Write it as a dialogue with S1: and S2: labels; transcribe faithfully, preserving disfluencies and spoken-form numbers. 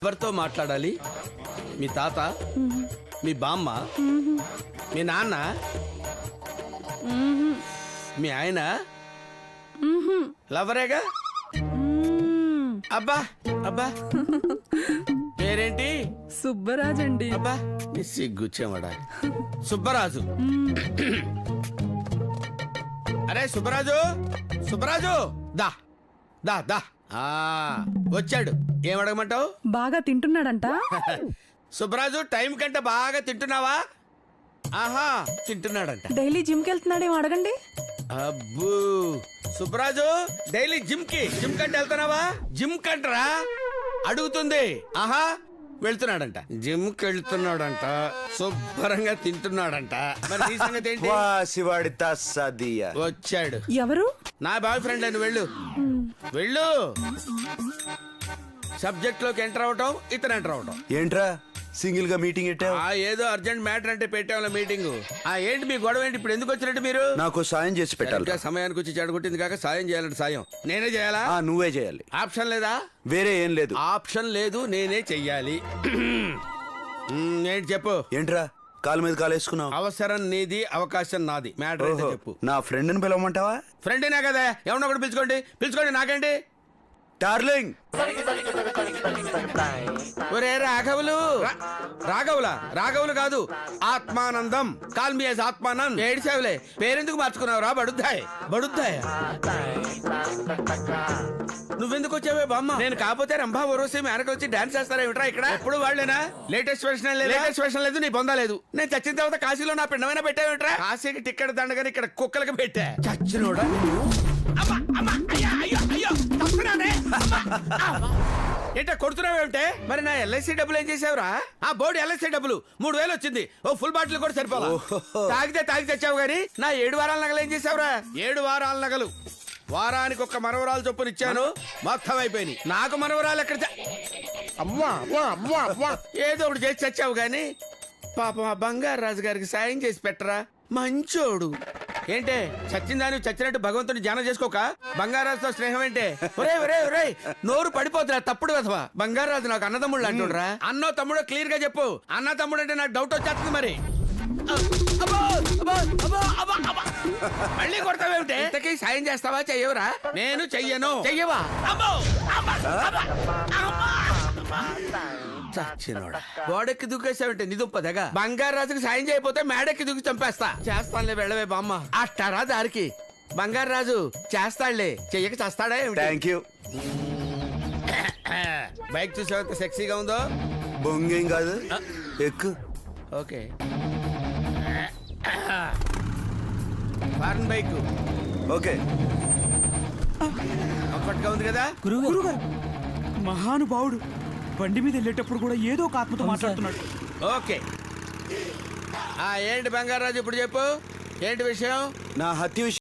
S1: ఎవరితో మాట్లాడాలి? మీ తాత, మీ బామ్మ, మీ నాన్న, మీ ఆయన లవరేగా? అబ్బా అబ్బా పేరేంటి?
S2: సుబ్బరాజ్ అండి.
S1: అబ్బా నీ సిగ్గుచ్చేవాడా సుబ్బరాజు. అరే సుబ్బరాజు, సుబ్బరాజు దా దా దా. ఆ వచ్చాడు. ఏం అడగమంటావు?
S2: బాగా తింటున్నాడంట.
S1: సుబ్బరాజు టైం కంటే బాగా తింటున్నావా? ఆహా తింటున్నాడంట.
S2: డైలీ జిమ్ కి వెళ్తున్నాడేమో అడగండి.
S1: అబ్బూ సుబ్బరాజు డైలీ జిమ్ కి జిమ్ కంటే వెళ్తున్నావా? జిమ్ కంటరా అడుగుతుంది. ఆహా వెళ్తున్నాడంట. జిమ్ కి వెళ్తున్నాడంట. శుభ్రంగా తింటున్నాడంట. మరి నీ సంగతి ఏంటి?
S3: శివాడి తస్సదియ
S1: వచ్చాడు.
S2: ఎవరు?
S1: నా బాయ్ ఫ్రెండ్ అని. వెళ్ళు వెళ్ళు. సబ్జెక్ట్ లోకి ఎంటర్ అవటం, ఇతను ఎంటర్ అవటం.
S3: ఏంట్రా సింగిల్ గా మీటింగ్ పెట్టావు?
S1: ఆ ఏదో అర్జెంట్ మ్యాటర్ అంటే పెట్టాం మీటింగ్. ఆ ఏంటి మీ గొడవ ఏంటి? ఇప్పుడు ఎందుకు వచ్చినట్టు మీరు?
S3: నాకు సాయం చేసి పెట్టాలి.
S1: ఇంకా సమయానికి వచ్చి చెడగొట్టింది కాక సాయం చేయాలంటే సాయం నేనే చేయాలా?
S3: ఆ నువ్వే చేయాలి.
S1: ఆప్షన్ లేదా?
S3: వేరే ఏం లేదు.
S1: ఆప్షన్ లేదు, నేనే చెయ్యాలి. మ్, ఏంటి చెప్పు.
S3: ఏంట్రా కాలు మీద కాలు వేసుకున్నావు?
S1: అవసరం నీది, అవకాశం నాది. మ్యాటర్ అయితే
S3: ఓహో,
S1: చెప్పు.
S3: నా ఫ్రెండ్ ని పిలవమంటావా?
S1: ఫ్రెండేనా కదా, ఎవరినో ఒకటి పిలుచుకోండి. పిలుచుకోండి, నాకేంటి.
S3: డార్లింగ్.
S1: ఒరే రాఘవులు. రా- రాఘవులా? రాఘవులు కాదు, ఆత్మానందం. Call me as ఆత్మానంద్. ఏడిసేవులే, పేరెందుకు మార్చుకున్నావు రా? బడుద్దాయ్ బడుద్దాయ్. నువ్వెందుకు వచ్చావే బామ్మ? నేను కాకపోతే రంభా వరోసి మేనకు వచ్చి డాన్స్ చేస్తారా ఏమిట్రా ఇక్కడ? ఎప్పుడు వాళ్ళేనా? లేటెస్ట్ వెర్షన్ లేదు, లేటెస్ట్ వెర్షన్ లేదు, నీ బొందా లేదు. నేను చచ్చిన తర్వాత కాశీలో నా పిండమైనా పెట్టావేంట్రా? కాశీకి టిక్కెట్ దండగాని ఇక్కడ కుక్కలకి పెట్టా. చచ్చినోడా? అమ్మా, అమ్మా, అయ్యా, అయ్యో, అయ్యో, తప్పుకున్నానే. అమ్మా, అమ్మా. ఏంటో కొడుతున్నావేమిటే? మరి నా ఎల్ఐసి డబ్బులు ఏం చేసావురా? ఆ బోర్డు ఎల్ఐసి డబ్బులు మూడు వేలు వచ్చింది. ఓ ఫుల్ బాటిల్ కూడా సరిపోలా. తాగితే తాగి తెచ్చావు గానీ నా ఏడు వారాల నగలు ఏం చేసావురా? ఏడు వారాల నగలు వారానికి ఒక్క మనవరాలు చొప్పున ఇచ్చాను, మొత్తం అయిపోయినాయి. నాకు మనవరాలు ఎక్కడ? అమ్మా అమ్మా అమ్మా అమ్మా. ఏదో ఒకటి చేసి చచ్చావు గానీ పాపం ఆ బంగారు రాజు గారికి సాయం చేసి పెట్టరా. మంచోడు. ఏంటే చచ్చిందాని చచ్చినట్టు భగవంతుని ధ్యానం చేసుకోక బంగారాజుతో స్నేహం ఏంటే? ఒరే ఒరే ఒరే నోరు పడిపోతురా తప్పుడు కదవా. బంగారాజు నాకు అన్నదమ్ముళ్ళు అంటుండ్రా. అన్నో తమ్ముడో క్లియర్ గా చెప్పు. అన్న తమ్ముడు అంటే నాకు డౌట్ వచ్చేస్తుంది. మరి అబ్బో, అబ్బో, అబ్బో, అబ్బో, అబ్బో. మళ్ళీ కొడతావేమిటే? ఇంతకీ సాయం చేస్తావా చెయ్యవురా? నేను చెయ్యను. చెయ్యవా? అబ్బో, అబ్బో, అబ్బో, అబ్బో. చచ్చినోడా. గోడెక్కి దూకేసావంటే నిదుంపదగా. బంగారాజుకి సాయం చేయకపోతే మేడెక్కి దూకి చంపేస్తా. చేస్తానులే, వెళ్ళవే బామ్మ. అట్టారా దారికి. బంగారాజు చేస్తాడులే, చెయ్యక చేస్తాడా?
S3: Thank you.
S1: బైక్ చూసేంత సెక్సీగా ఉందో.
S3: బొంగేం కాదు, ఎక్కు.
S1: Okay, foreign bike.
S3: Okay,
S1: comfort గా ఉంది కదా.
S4: గురుగారు, మహానుభావుడు బండి మీద వెళ్ళేటప్పుడు కూడా ఏదో ఒక ఆత్మతో మాట్లాడుతున్నాడు.
S1: ఓకే. ఆ ఏంటి బంగారాజు ఇప్పుడు చెప్పు, ఏంటి విషయం?
S3: నా హత్య విషయం